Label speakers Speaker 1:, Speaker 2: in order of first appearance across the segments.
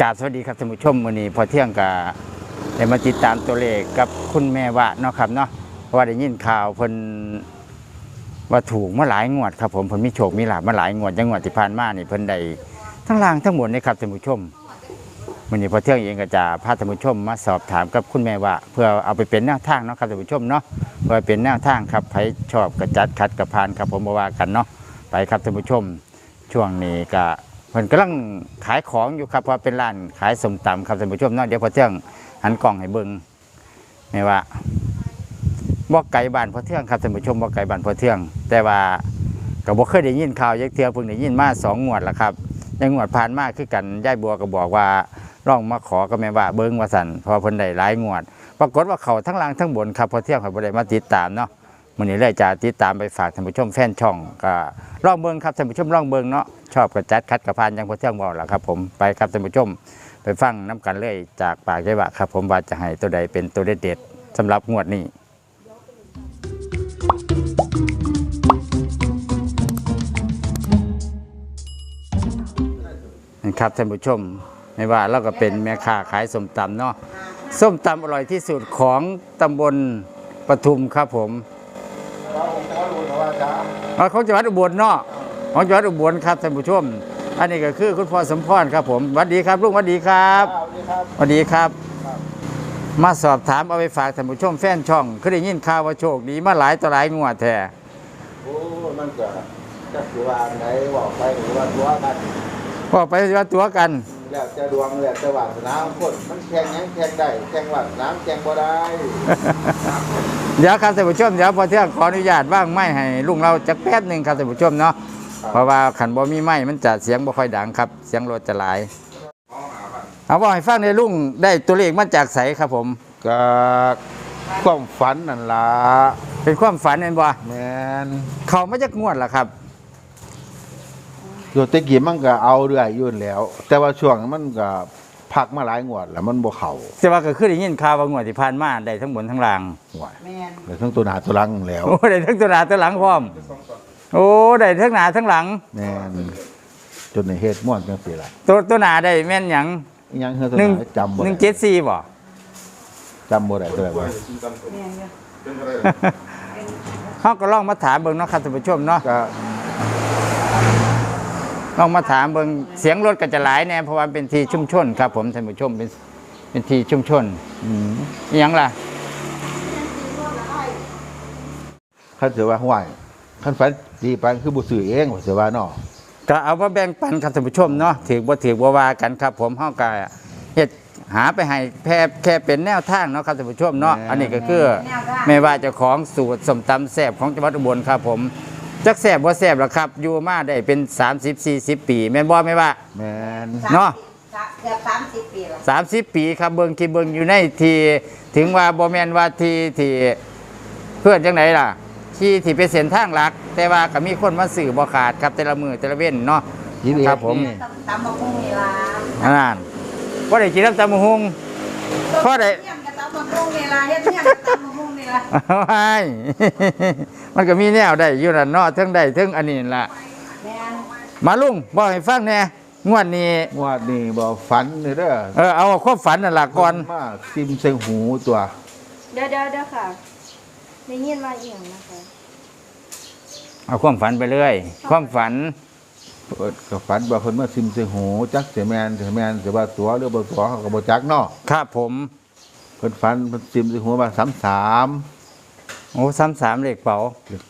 Speaker 1: กราบสวัสดีครับท่านผู้ชมวันนี้พอเที่ยงกับได้มาติดตามตัวเลขกับคุณแม่วะเนาะครับเนาะเพราะว่าได้ยินข่าวเพิ่นว่าถูกมาหลายงวดครับผมเพิ่นมีโชคมีลาภมาหลายงวดจังหวัดที่ผ่านมานี่เพิ่นได้ทั้งล่างทั้งบนเลยครับท่านผู้ชมวันนี้พอเที่ยงเองก็จะพาท่านผู้ชมมาสอบถามกับคุณแม่วะเพื่อเอาไปเป็นแนวทางเนาะครับท่านผู้ชมเนาะเพื่อเป็นแนวทางครับใครชอบก็จัดคัดก็ผ่านครับผมบ่ว่ากันเนาะไปครับท่านผู้ชมช่วงนี้ก็เพิ่นกำลังขายของอยู่ครับเพราะเป็นร้านขายส้มตำครับท่านผู้ชมเนาะเดี๋ยวพอเที่ยงหันกล้องให้เบิ่งแม่ว่าบ่ไกลบ้านพอเที่ยงครับท่านผู้ชมบ่ไกลบ้านพอเที่ยงแต่ว่าก็บ่เคยได้ยินข่าวยักเทื่อเพิ่งได้ยินมา2 งวดแล้วครับยังงวดผ่านมาคือกันยายบัวก็บอกว่าลองมาขอกับแม่ว่าเบิ่งว่าซั่นเพราะเพิ่นได้หลายงวดปรากฏว่าเขาทั้งล่างทั้งบนครับพอเที่ยงเขาบ่ได้มาติดตามเนาะมื้อนี้เลยจะติดตามไปฝากท่านผู้ชมแฟนช่องก็ลองเบิ่งครับท่านผู้ชมลองเบิ่งเนาะชอบกระจัดคัดกระพานยังพอเที่ยงบอกแล้วครับผมไปครับท่านผู้ชมไปฟังน้ำกันเลยจากปากยายวะครับผมว่าจะให้ตัวใดเป็นตัวเด็ดๆสำหรับงวดนี้ครับท่านผู้ชมไม่ว่าเราก็เป็นแม่ค้าขายส้มตำเนาะส้มตำอร่อยที่สุดของตำบลปทุมครับผมของจังหวัดอุบลเนาะของจังหวัดอุบลครับท่านผู้ชมอันนี้ก็คือคุณพ่อสมพรครับผมสวัสดีครับลุงสวัสดีครับสวัสดีครับมาสอบถามเอาไปฝากท่านผู้ชมแฟนช่องคือได้ยินข่าวว่าโชคดีมาหลายต่อหลายงวดแท้
Speaker 2: โอ้มันก็จะถือว่าไหนบอกไปหรือว่าตัวกัน
Speaker 1: บอกไปว่าตัวกัน
Speaker 2: แล้วจะดวงแล้วจะวาสนาคนมันแข่งยังแข่งได้แข่งวาสนาแข่งบ่ได้
Speaker 1: เดี๋ยวครับท่านผู้ชมเดี๋ยวพอเที่ยงขออนุญาตว่างไม้ให้ลุงเราจักแป๊บหนึ่งครับท่านผู้ชมเนาะเพราะว่าขันบ่มีไม้มันจะเสียงบ่ค่อยดังครับเสียงรถจะหลายเอาบอกให้ฟังในลุงได้ตัวเลขมาจากไสครับผม
Speaker 2: ก็ความฝันนั่นล่ะ
Speaker 1: เป็นความฝันเห็นบ่
Speaker 2: แม่น
Speaker 1: เขามาจากงวดล่ะครับ
Speaker 2: โยตะกี้มันก็เอาเรื่อยอยู่แล้วแต่ว่าช่วงมันก็พักมาหลายงวดแล้วมันบ่เข้า
Speaker 1: แต่ว่าก็คือได้ยินข่าวว่างวดที่ผ่านมาได้ทั้งบนทั้งล่าง
Speaker 2: แม่นได้ทั้งตัวหน้าตัวหลังแล้ว
Speaker 1: โอ้ได้ทั้งตัวหน้าตัวหลังพร้อมโอ้ได้ทั้งหน้าทั้งหลัง
Speaker 2: แม่นจนในเฮ็ดม่วนจังซี่ล่ะ
Speaker 1: ตัวหน้าได้แม่นหยัง
Speaker 2: ยังเฮ็ดตัวหน้าจำบ่ได้
Speaker 1: 174บ่
Speaker 2: จำบ่ได้ตัวว่า
Speaker 1: เฮาก็ลองมาถามเบิ่งเนาะครับท่านผู้ชมเนาะ
Speaker 2: ก็
Speaker 1: ลองมาถามเบิ่งเสียงรถก็จะหลายแน่เพราะว่าเป็นที่ชุมชนครับผมท่านผู้ชมเป็นที่ชุมชนอีหยังล่ะ
Speaker 2: คันถือว่าห้วยคันฝันดีไปคือบ่ซื้อเองว่าสิว่าเนาะ
Speaker 1: ก็เอามาแบ่งปันครับท่านผู้ชมเนาะถือบ่ถือบ่ว่ากันครับผมเฮาก็เฮ็ดหาไปให้แค่เป็นแนวทางเนาะครับท่านผู้ชมเนาะอันนี้ก็คือไม่ว่าเจ้าของสูตรส้มตำแซ่บของจังหวัดอุบลครับผมจักแซ่บบ่แซ่บหรอกครับอยู่มาได้เป็น30-40 ปีแม่นบ่แม่ว่า
Speaker 2: แม่น
Speaker 1: เนาะ
Speaker 3: เกือบ30 ปีแล้ว
Speaker 1: 30 ปีครับเบิ่งที่เบิ่งอยู่ในที่ถึงว่าบ่แม่นว่าที่เพื่อนจังไดล่ะที่เป็นเส้นทางหลักแต่ว่าก็มีคนมาซื้อบ่ขาดครับแต่ละมื้อแต่ละเว้นเนาะครับผม
Speaker 3: ตำบักหุ่งนี่ล่ะ
Speaker 1: นั่นบ่ได้กินน้ำตำบักหุ่งพอได้
Speaker 3: เฮ็ดตำบักหุ่งนี่ล่ะเฮ็ดเนี่ยตำบักหุ่งนี่ล่ะ
Speaker 1: มันก็มีแนวได้อยู่นั่นเนาะทั้งได้ทั้งอันนี้ล่ะมาลุงบอกให้ฟังแน่งวดนี้
Speaker 2: บ่ฝันเด้อ
Speaker 1: เอาความฝันนั่นล่ะก่อน
Speaker 2: มาซิมใส่หูตัว
Speaker 3: เดี๋ยวค่ะได้ยินมาอีหยังนะคะ
Speaker 1: เอาความฝันไปเรื่อยความฝัน
Speaker 2: ก็ฝันว่าเพิ่นมาซิมใส่หูจักสิแม่นสิว่าตัวหรือบ่ตัวเขาก็บ่จักเนาะ
Speaker 1: ครับผม
Speaker 2: เพิ่นฝันเพิ่นซิมใส่หูว่า33
Speaker 1: โอ้33เลขเป๋า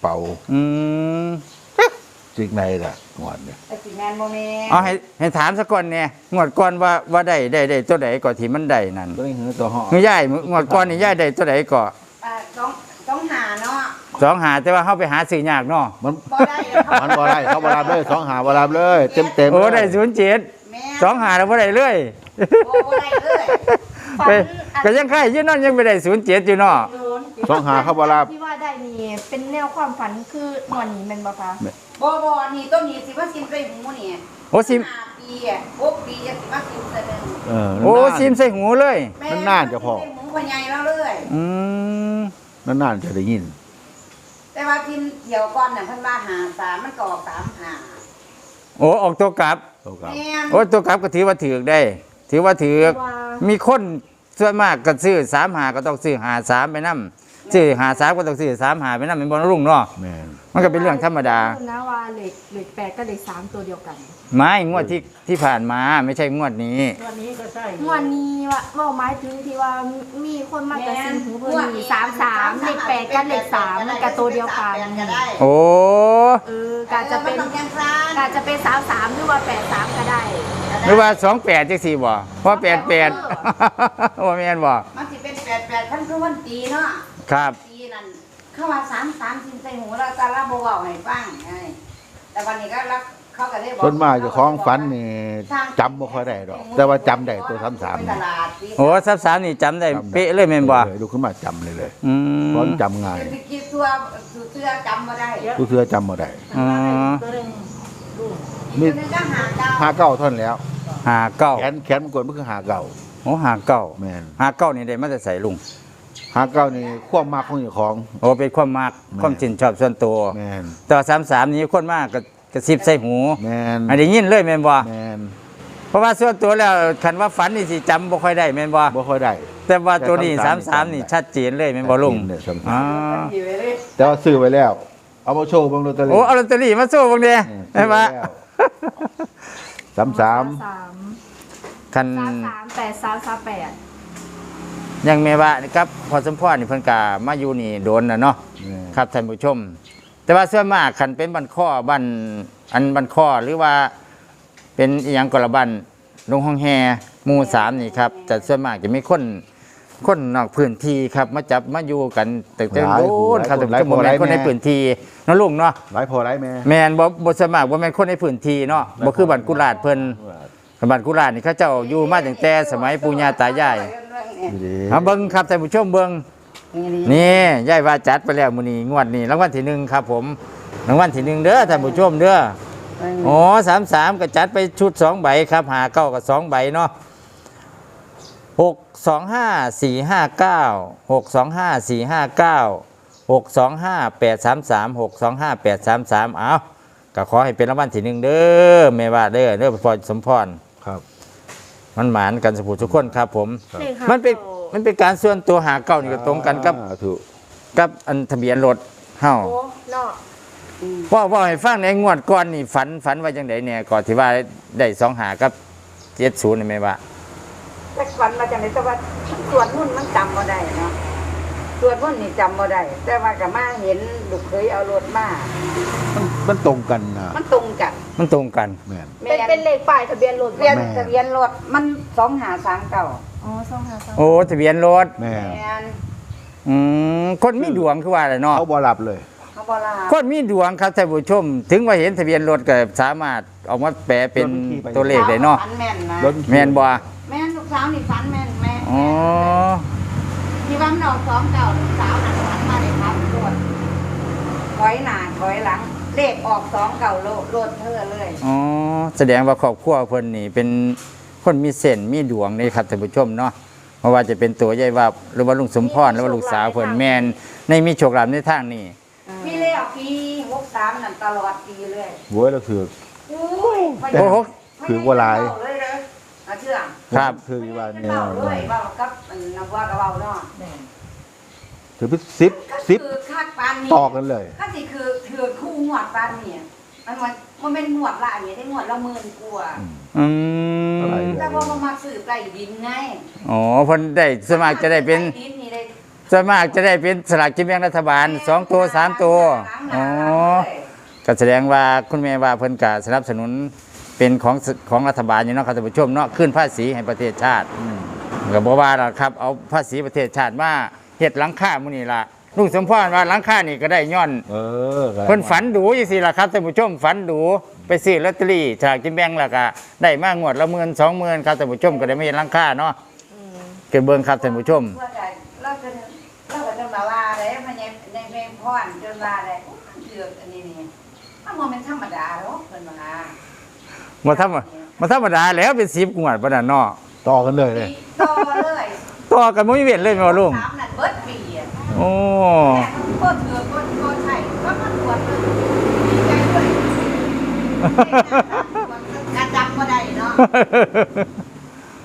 Speaker 2: จิกไหนล่ะงวดเนี่ย
Speaker 3: ไอ้สิแม่นบ่แม่
Speaker 1: เอาให้ถามซะก่อนเนี่ยงวดก่อนว่าได้ตัวใดก่อนที่มันได้นั่น
Speaker 2: ตัวนี้คือตัวเหาะ
Speaker 1: คือยายงวดก่อนนี่ยายได้ตัวใดก่อน
Speaker 3: ต้องหาเนา
Speaker 1: ะ2หาแต่ว่าเฮาไปหาซื้อยากเนาะ
Speaker 3: มันบ่ได้
Speaker 2: เขาบ่รับเลย2หาบ่รับเลยเต็ม
Speaker 1: โอ้ได้07 2หาแล้วบ่ได้เลย
Speaker 3: บ่ได้เลย
Speaker 1: ก็ยังไข่อยู่นั่นยังไม่ได้07อยู่เนาะ
Speaker 2: 2หาเขาบ่รับ
Speaker 3: ที่ว่าได้นี่เป็นแนวความฝันคืองวดนี้แม่นบ่คะบ่นี่ต้นนี้สิว่าซิมใส่หูนี่
Speaker 1: โอ้ซิม
Speaker 3: 5 ปี6 ปีจะสิมาซิมใส่
Speaker 1: โอ้ซิมใส่หูเลย
Speaker 2: นานๆจะพอ
Speaker 3: หูพ่อใหญ่แล้วเลย
Speaker 2: นานๆจะได้ยิน
Speaker 3: แต่ว่าทีมเดี่ยวก่อนเนี่ยเพิ่นว่า53มันก็ออก35
Speaker 1: โอ้ออกตัวกลับโอ้ตัวกลับก็ถือว่าถือได้ถือว่าถือ
Speaker 3: ว่า
Speaker 1: มีคนส่วนมากก็ซื้อ35ก็ต้องซื้อ53ไปนำซื้อ53ก็ต้องซื้อ35ไปนำเป็นบ่ลุงเนาะ
Speaker 2: แม่น
Speaker 1: มันก็เป็นเรื่องธรรมดา
Speaker 3: นะว่าเหล็ก8กับเหล็ก3ตัวเดียวกัน
Speaker 1: ไม่งวดที่ผ่านมาไม่ใช่งวดนี้
Speaker 4: วันนี้ก็ใช่
Speaker 3: วันนี้ว่าหมายถึงที่ว่ามีคนมากระซิบหูเพิ่นนี่33เหล็ก8กับเหล็ก3มันก็ตัวเดียวกัน
Speaker 4: ก็ได้
Speaker 1: โอ้
Speaker 3: กาจะเป็น
Speaker 4: ต้องยังซ่าน
Speaker 3: กาจะเป็น33หรือว่า83ก็ได้
Speaker 1: หรือว่า28จังซี่บ่เพราะ88ว่าแม่นบ่
Speaker 4: มันสิเป็น88คันคือวันตีเนาะ
Speaker 1: ครับ
Speaker 4: ตีนั่นเข้ามา3สินใส่หูแล้วก็ละบ่เว้าให้ฟังไงแต่วันนี้ก็รักเขาก็ได้บอก
Speaker 2: ส่วนมากเจ้าของฝันนี่จำบ่ค่อยได้ดอก แต่ว่าจำได้ตัว
Speaker 4: ไป
Speaker 2: 33
Speaker 4: ต
Speaker 2: นี่
Speaker 4: ลาดตี
Speaker 1: โอ้33นี่จำได้เป๊ะเลยแม่นบ่
Speaker 2: ลุกขึ้นมาจำเลย
Speaker 1: อืม
Speaker 2: เพราะจำง่าย
Speaker 4: สิกินตัวเสื้อจำบ่ได้
Speaker 2: ผู้เสื้อจำบ่ได้
Speaker 1: อ๋อ
Speaker 4: ตัวนึงดู
Speaker 2: มี
Speaker 4: ตัวนึงก็หาเก้า
Speaker 2: หาเก้าเท่านนแล้ว
Speaker 1: 59
Speaker 2: แขนมันกดมันคือหาเก้า
Speaker 1: โอ้59
Speaker 2: แม่น
Speaker 1: 59นี่ได้มาแต่ใส่ลุง
Speaker 2: หาเก้านี่ความมากของเจ้าของ
Speaker 1: โอ้เป็นความมัก
Speaker 2: แม่น
Speaker 1: ความชื่นชอบส่วนตัว
Speaker 2: แม่น
Speaker 1: ต่อ33นี่คนมากก็กระซิบใส่หู
Speaker 2: แม่น
Speaker 1: อันนี้ยินเลยแม่นบ่
Speaker 2: แม่น
Speaker 1: เพราะว่าส่วนตัวแล้วคันว่าฝันนี่สิจำบ่ค่อยได้แม่นบ่
Speaker 2: บ่ค่อยได้
Speaker 1: แต่ว่าตัวนี้
Speaker 2: แต่33
Speaker 1: 33นี่ชัดเจนเลยแม่นบ่ลุง
Speaker 2: เนี่ย33
Speaker 1: อ๋อ
Speaker 4: อยู่เลย
Speaker 2: แต่ว่าซื้อไว้แล้ว เอามาโชว์เบางลอตเตอรี่
Speaker 1: โอ้เอาลอตเตอรี่มาโชว์เบิ่งเด้ใช่ปะ
Speaker 2: 33
Speaker 1: คัน
Speaker 3: 33 83 38
Speaker 1: ยังแม่ว่านี่ครับพอสมพรนี่เพิ่นก็มาอยู่นี่โดนน่ะเนาะ ครับท่านผู้ชม แต่ว่าส่วนมากคันเป็นบันข้อบันอันบันข้อหรือว่าเป็นอหยังกละบันลงห้องแฮหมู่3นี่ครับแต่ส่วนมากจะมีคนนอกพื้นที่ครับมาจับมาอยู่กันแต่โดนครับแต่จะบ่แม่นคนในพื้นที่เนาะลุงเนาะ
Speaker 2: หลายพอหลายแม่
Speaker 1: แม่นบ่ส่วนมากบ่แม่นคนในพื้นที่เนาะบ่คือบ้านกุหลาดเพิ่นบ้านกุหลาดนี่เขาเจ้าอยู่มาตั้งแต่สมัยปู่ย่าตายาย
Speaker 2: ดี
Speaker 1: เอาเบิ่งครับท่านผู้ชมเบิ่ง นี่ยายว่าจัดไปแล้วมื้อนี้งวดนี้รางวัลที่1ครับผมรางวัลที่1เด้อท่านผู้ชมเด้ออ๋อ33ก็จัดไปชุด2ใบครับหาเก้ากับ2ใบเนาะ625 459 625 459 625 833 625 833เอาก็ขอให้เป็นรางวัลที่1เด้อแม่ว่าเด้อพอสมพร
Speaker 2: ครับ
Speaker 1: มันหมานกันสุทุกคนครับผม
Speaker 3: เลข
Speaker 1: มันเป็นการส่วนตัวหาเก้านี่ก็ตรงกันกับ
Speaker 2: ถูก
Speaker 1: กับอันทะเบียนรถเฮา
Speaker 3: โอ้เนาะ
Speaker 1: ว่าให้ฟังในงวดก่อนนี่ฝันว่าจังไดเนี่ยก่อนที่ว่าได้2หากับ70นี่แม่ว่า
Speaker 4: แต่วันมาจากไหนแต่ว่าส่วนมุ่นมันจำบ่ได้เนาะส่วนมุ่นนี่จำบ่ได้แต่ว่าก็มาเห็นลูกเคยเอารถมา
Speaker 2: มันตรงกันนะ
Speaker 4: มันตรงกัน
Speaker 1: มันตรงกัน
Speaker 2: แม่น
Speaker 3: เป็นเลขป้ายทะเบียนรถ
Speaker 4: ทะเบียน
Speaker 2: แม่
Speaker 4: ทะเบียนรถมัน2539
Speaker 3: อ๋อ253
Speaker 1: โอ้ทะเบียนรถ
Speaker 2: แม่น
Speaker 4: แม่น
Speaker 1: คนมีดวงคือว่าอะไรเนาะ
Speaker 2: เขาบ่หลับเลย
Speaker 4: เขาบ่ลา
Speaker 1: คนมีดวงครับท่านผู้ชม ถึงว่าเห็นทะเบียนรถก็สามารถออกมาแปลเป็นตัวเลขได้เนาะ
Speaker 4: ฝันแม่นนะ
Speaker 2: รถ
Speaker 1: แม่นบ่
Speaker 4: แม่นลูกสาวนี่ฝันแม่นแม่
Speaker 1: อ๋อ
Speaker 4: ที่ว่ามันออก29ลูกสาวนั่นฝันมาได้ครับรถถอยหน้าถอยหลังเลขออก29รถเธอเลย
Speaker 1: อ๋อแสดงว่าครอบครัวเพิ่นนี่เป็นคนมีเส้นมีดวงนี่ครับท่านผู้ชมเนาะเพราะว่าจะเป็นตัวยายว่าหรือว่าลุงสมพรหรือว่าลูกสาวเพิ่นแม่นในมีโชคลาภในทางนี้
Speaker 4: พี่เลขปี63นั่นตลอดปีเลย
Speaker 2: โว้ยแล้วคือ
Speaker 4: อุ้ย
Speaker 1: โอ้โห
Speaker 2: คือว่าหลาย
Speaker 4: เเลยเด้อเอาเชื่อ
Speaker 1: ครับ
Speaker 2: คือว่า
Speaker 4: ไม่
Speaker 2: เนี่ย
Speaker 4: เบาเลยเบากับอันนับว่ากับเบาเนาะ
Speaker 2: ถือเป็นสิบ
Speaker 4: ก็
Speaker 2: สิบ
Speaker 4: คือคาดปานนี้
Speaker 2: ต่อกันเลย
Speaker 4: ก็สิคือถือคู่งวดปานนี้มันเป็นงวดละอันนี้ได้งวดละ10,000กว่า
Speaker 1: อืม
Speaker 2: อะไร
Speaker 4: แต่ว่ามันมาซื้อใต้ดินไง
Speaker 1: อ๋อเพิ่นได้สวนมัครจะได้เป็น
Speaker 4: ใต้ดินนี่ได้
Speaker 1: สวนมัครจะได้เป็นสลากกินแบ่งรัฐบาล2ตัว3ตัวอ๋อก็แสดงว่าคุณแม่ว่าเพิ่นก็สนับสนุนเป็นของรัฐบาลอยู่เนาะครับท่านผู้ชมเนาะขึ้นภาษีให้ประเทศชาติก็บ่ว่าหรอกครับเอาภาษีประเทศชาติมาเฮ็ดหลังคามื้อนี้ล่ะลุงสมพรว่าหลังคานี่ก็ได้ย้อน เพิ่นฝันดูจังซี่ล่ะครับท่านผู้ชมฝันดูไปซื้อลอตเตอรี่ฉลากกินแบ่งแล้วก็ได้มางวดละ10,000 20,000ครับท่านผู้ชมก็ได้ไม่เห็นหลังคาเนาะเก็บเบิ่งครับท่านผู้ชม
Speaker 4: ว่าได้เราก็จะมาว่าได้มันในเพลงพรจนว่าได้เถือกอันนี้นี่มันเป็นธรรมดาหรอกเพิ่นว่า
Speaker 1: มาธรรมดาแล้วเป็น10งวดปานนั้นเนาะ
Speaker 2: ต่อกันเลยเลย
Speaker 4: ต่อเลย
Speaker 1: ต่อกันบ่มีเว้นเลยแม่ว่าลุง
Speaker 4: 3นั่นเบิดปีอ่ะ
Speaker 1: โอ้
Speaker 4: แต่มันก็เถือกก็ใช่ก็มันตรวจเลยดีใจด้วยการจำบ่ได้เนาะ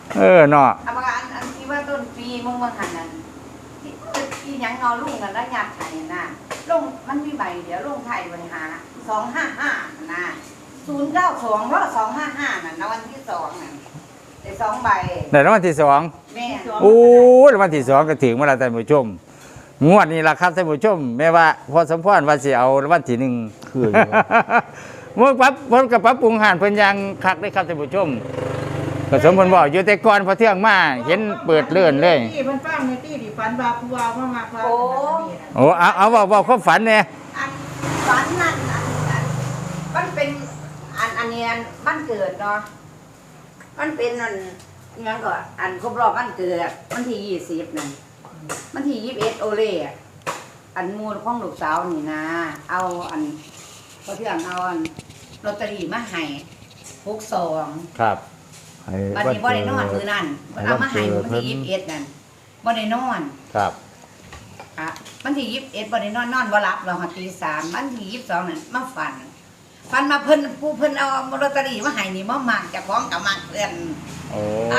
Speaker 1: เนาะ
Speaker 4: เอามาอันที่ว่าต้นปีมึงมาหันนั่นที่หยังนอลุงกันแล้วยัดไห้น่ะลงมันมีใบเดี๋ยวลงไทยบริหาร255น่ะ092แล้ว255น่ะในวันที่2น่ะได้2ใบ
Speaker 1: ในรางวัลที่ 2
Speaker 4: แม่
Speaker 1: โอ้รางวัลที่ 2ก็ถึงเวลาท่านผู้ชมงวดนี้ล่ะครับท่านผู้ชมแม้ว่าพอสมพรว่าสิเอารางวัลที่ 1
Speaker 2: คืออยู่
Speaker 1: เมื่อปั๊บเพิ่นก็ปรับปรุงหานเพิ่นยังคักได้ครับท่านผู้ชมก็สมเพิ่นบอกอยู่แต่ก่อนพอเที่ยงมาเห็นเปิดเลื่อนเลย
Speaker 5: ที่มันฟังในที่ที่ฝันว่าผู้ว่ามามาว่า
Speaker 1: โอ้เอาบอกความฝันเนี่ย
Speaker 4: อันฝันนั่นอันมันเป็นอันนี้อันบ้านเกิดเนาะมันเป็นอันยังก็อันครบรอบบ้านเกิดวันที่20นั่นวันที่21โอเล่อะอันมูลของลูกสาวนี่นะเอาอันพอเที่ยงเอาอันลอตเตอรี่มาให้62
Speaker 1: ครับ
Speaker 2: ให้
Speaker 4: วันนี้บ่ได้นอนมื้อนั้นเอามาให้วันที่21นั่นบ่ได้นอน
Speaker 1: ครับ
Speaker 4: อะวันที่21บ่ได้นอนบ่หลับเราหาตี3วันที่22นั่นมาฝันมาเพิ่นผู้เพิ่นเอาลอตเตอรี่มาให้นี่มามักเจ้าของก็มักเพิ่น
Speaker 1: โอ้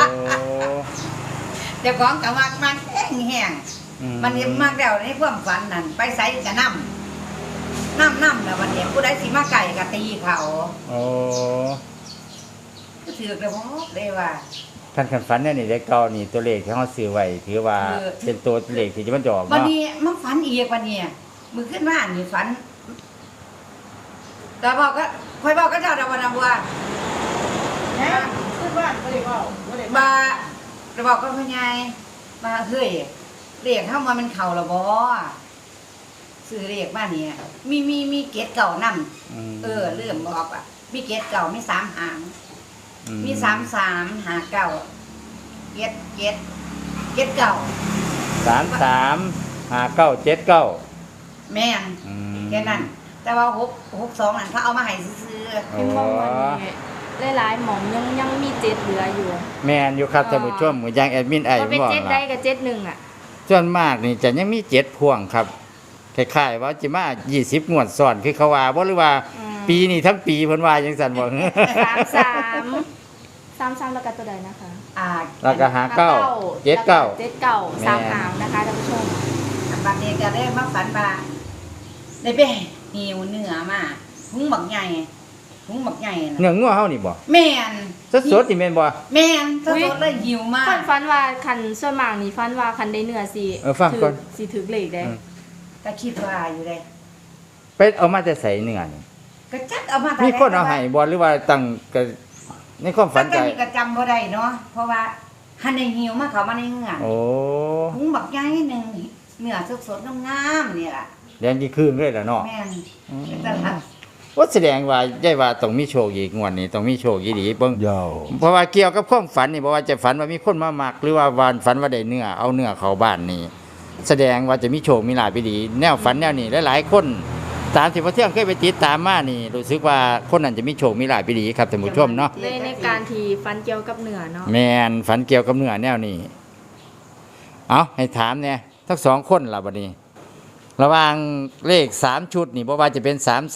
Speaker 4: เจ้าของก็มักแห้งๆมันนี่มักแล้วในความฝันนั่นไปไสก็นำแล้ววันนี้ผู้ใดสิมาไก่ก็ตีเขา
Speaker 1: โอ้
Speaker 4: ก็ถือเลยบ่ได้ว่า
Speaker 1: ท่านคันฝันเนี่ยนี่เลขเก่านี่ตัวเลขที่เฮาซื้อไว้ถือว่า
Speaker 4: คือ
Speaker 1: เป็นตัวเลขที่จะมันจะออก
Speaker 4: วัน
Speaker 1: เนาะ
Speaker 4: นี้มาฝันอีกวันนี้มื้อขึ้นมานี่ฝันแต่บอกก็ค่อยบอกก็เจ้าดาวนาบัว
Speaker 5: แล้วขึ้นบ้านก็ได้เว้าบ่ได้
Speaker 4: มาจะบอกก็พ่อใหญ่มาเฮ้ยเรียกเข้ามามันเข่าละบ่ซื้อเรียกมาเนี่ยมีเกตเก่านำเเริ่มบอกอ่ะมีเกตเก่ามี3หางมี33หาเก่าเกตเก่า
Speaker 1: 335979
Speaker 4: แม่นแค่นั้น แต่ว่า62นั่นเขาเอามาให้ซื้อ
Speaker 1: โอ้
Speaker 3: เป็นมองวันนี้หลายๆหมองยังมีเจ็ดเหลืออยู่
Speaker 1: แม่นอยู่ครับท่านผู้ชมเหมือนอย่างแอดมินไอ้
Speaker 3: ก็เป็น
Speaker 1: บอก
Speaker 3: เจ็ด
Speaker 1: ล่ะ
Speaker 3: ได้กับเจ็ดหนึ่งอ่ะ
Speaker 1: ส่วนมากนี่จะยังมี7พ่วงครับคล้ายๆว่าจะมา20งวดซ้อนคือเขาว่าบ่หรือว่า ปีนี้ทั้งปีเพิ่นว่าจังซั่นบ่
Speaker 3: 33แล้วก็ตัวใดนะคะ
Speaker 1: แล้วก็หาเก้าเจ็ดเก้า
Speaker 3: เจ็ดเก้า
Speaker 1: แม่
Speaker 3: สามหางนะคะท่านผู้ชม
Speaker 4: บัดนี้ก็ได้มาฝันว่าได้ไปหิวเนื้อมาหุงบักใหญ่น่ะ
Speaker 1: เนื้องัวเฮานี่บ่
Speaker 4: แม่น
Speaker 1: สดๆนี่แม่นบ่
Speaker 4: แม่นสดๆเลยหิวมาก
Speaker 3: ฟันว่าคันส่วนมากนี่ฟันว่าคันได้เนื้อสิ
Speaker 1: ฟังก่อน
Speaker 3: สิถึกเลขได้
Speaker 4: ก็คิดว่าอยู่เลย
Speaker 1: ไปเอามาแต่ใส่เนื้อนี่
Speaker 4: ก็จัดเอามา
Speaker 1: มีคนเอาให้บ่หรือว่าตั้งก็ในความฝั
Speaker 4: ฝั
Speaker 1: น
Speaker 4: น
Speaker 1: ใจ
Speaker 4: ใจก็จำบ่ได้เนาะเพราะว่าหันในหิวมาเขามาในเหงื่อ
Speaker 1: โอ้
Speaker 4: หุงบักใหญ่หนึงเนื้อสดๆงามๆนี่ล่ะ
Speaker 1: แดงกี่ครึ่งเลยล่ะเนาะ
Speaker 4: แม่นเป็นตลาด
Speaker 1: ว่าแสดงว่าใหญ่ว่าต้องมีโชคอีกงวดนี้ต้องมีโชคอีหลีเบิ่ง
Speaker 2: ยาว
Speaker 1: เพราะว่าเกี่ยวกับความฝันนี่บ่ว่าจะฝันว่ามีคนมามักหรือว่าวันฝันว่าได้เนื้อเอาเนื้อเข้าบ้านนี่แสดงว่าจะมีโชคมีลาภอีหลีแนวฝันแนวนี้หลายๆคนตามที่พระเที่ยงเคยไปติดตามมานี่รู้สึกว่าคนนั้นจะมีโชคมีลาภอีหลีครับท่านผู้ชมเนาะ
Speaker 3: ในการที่ฟันเกี่ยวกับเนื้อเนาะ
Speaker 1: แม่นฝันเกี่ยวกับเนื้อแนวนี้เอาให้ถามเนี่ยทั้งสองคนล่ะบัดนี้ ระหว่างเลข3ชุดนี่บ่ว่าจะเป็น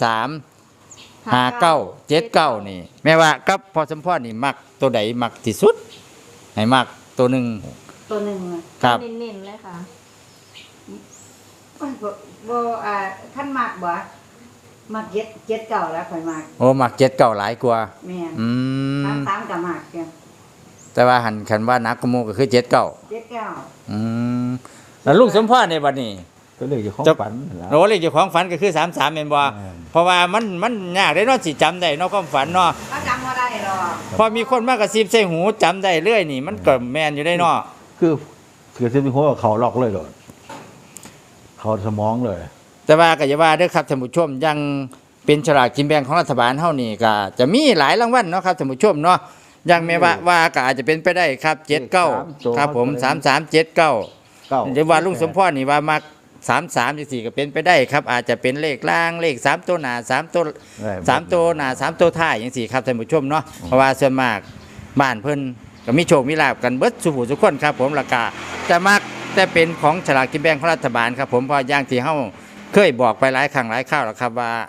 Speaker 1: 33 59 79นี่แม่ว่ากับพอสมพรนี่มักตัวใดมักที่สุดให้มักตัวหนึง
Speaker 4: ตัวหนึงอะ
Speaker 1: ครับ
Speaker 3: เน้นๆเลยค่ะ
Speaker 4: โอ้ยบ่ท่านมักบ่มักเจ็ดเก่าแล้วข่อยมัก
Speaker 1: โอ้มัก79หลายกว่า
Speaker 4: แม่น
Speaker 1: อืม
Speaker 4: ตามก็มักเด้อ
Speaker 1: แต่ว่าหันคันว่านักกว่าหมู่ก็คือ79
Speaker 4: เจ็ดเก่า
Speaker 1: อืมแล้วลุงสมพรในบัดนี้
Speaker 2: ก็เลยอยู่ของฝันนั่นล่ะ
Speaker 1: โอ้เลขเจ้าของฝันก็คือ33แม่นบ่
Speaker 2: อืม
Speaker 1: เพราะว่ามันยากได้เนาะสิจำได้เนาะความฝันเนาะ
Speaker 4: เขาจำบ่ได้หรอก
Speaker 1: พอมีคนมากระซิบใส่หูจำได้เรื่อยนี่ มันก็แม่นอยู่ได้เนาะ
Speaker 2: คือที่มีหัวเขาล็อกเลยโดดเขาสมองเลย
Speaker 1: แต่ว่าก็อย่าว่าเด้อครับท่านผู้ชมยังเป็นฉลากกินแบ่งของรัฐบาลเฮานี่ก็จะมีหลายรางวัลเนาะครับท่านผู้ชมเนาะยังแม่ว่าก็อาจจะเป็นไปได้ครับ79ครับผม3379
Speaker 2: เก้า
Speaker 1: หรือว่าลุงสมพรนี่ว่ามัก33จังซี่ก็เป็นไปได้ครับ อาจจะเป็นเลขล่างเลข3ตัวหน้า3ตัว3ตัวหน้า3ตัวท้ายจังซี่ครับท่านผู้ชมเนาะเพราะว่าส่วนมากบ้านเพิ่นก็มีโชคมีลาภกันเบิดสุผู้ทุกคนครับผมราคาจะมักแต่เป็นของฉลากกินแบ่งของรัฐบาลครับผมเพราะอย่างที่เฮาเคยบอกไปหลายครั้งหลายคราวแล้วครับว่า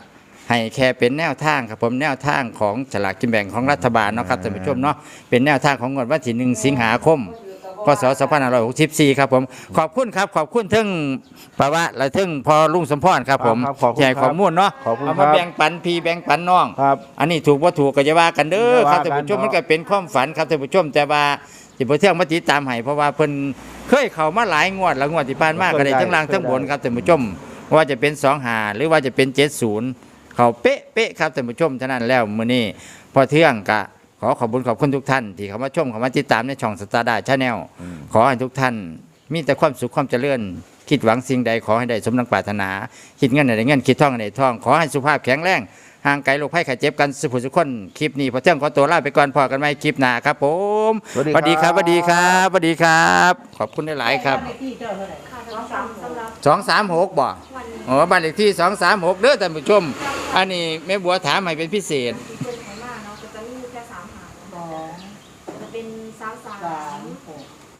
Speaker 1: ให้แค่เป็นแนวทางครับผมแนวทางของฉลากกินแบ่งของรัฐบาลเนาะครับท่านผู้ชมเนาะเป็นแนวทางของงวดวันที่1 สิงหาคมพศ2564ครับผมขอบคุณครับขอบคุณถึงประวัติและถึงพอลุงสมพรครับผม
Speaker 2: ครับขอบคุณ
Speaker 1: แจกข้อมูลเนาะ
Speaker 2: ขอบคุณ
Speaker 1: เอา
Speaker 2: ครั
Speaker 1: มา
Speaker 2: บ
Speaker 1: แบ่งปันพี่แบ่งปันน้อง
Speaker 2: ครับ
Speaker 1: อันนี้ถูกว่าถูกก็จะว่ากันเด้อครับ
Speaker 2: อย่าว่ากัน
Speaker 1: ท่านผู้ชมมันก็เป็นความฝันครับท่านผู้ชมแต่ว่าที่พอเที่ยงมาติดตามให้เพราะว่าเพิ่นเคยเข้ามาหลายงวดแล้วงวดที่ผ่านมาก็ได้ทั้งล่างทั้งบนครับท่านผู้ชมว่าจะเป็น25หรือว่าจะเป็น70เขาเป๊ะครับท่านผู้ชมฉะนั้นแล้วมื้อนี้พอเที่ยงก็ขอขอบคุณขอบคุณทุกท่านที่เข้ามาชมเข้ามาติดตามในช่องสตาร์ดาชาแนลขอให้ทุกท่านมีแต่ความสุขความเจริญคิดหวังสิ่งใดขอให้ได้สมดังปรารถนาคิดเงินให้ได้เงินคิดทองให้ได้ทองขอให้สุขภาพแข็งแรงห่างไกลโรคภัยไข้เจ็บกันสุขสุขคนคลิปนี้พอเที่ยงขอตัวลาไปก่อนพอกันไหมคลิปหน้าครับผม
Speaker 2: สวัสดีครับ
Speaker 1: สวัสดีครับสวัสดีครับ ขอบคุณหลายๆครับ
Speaker 5: เลขที่เจ้าเท่าไหร่
Speaker 3: ค่ะสำหรับ
Speaker 1: 236บ่
Speaker 3: วันนี้
Speaker 1: อ๋อบ้านเลขที่236เด้อท่านผู้ชม อันนี้แม่บัวถามให้เป็นพิเศษ
Speaker 3: ที่เพิ่นให้มาเนาะก็จะมีแค่3หาง
Speaker 5: สอง
Speaker 3: จะเป็น
Speaker 5: สาม
Speaker 3: 33
Speaker 5: หก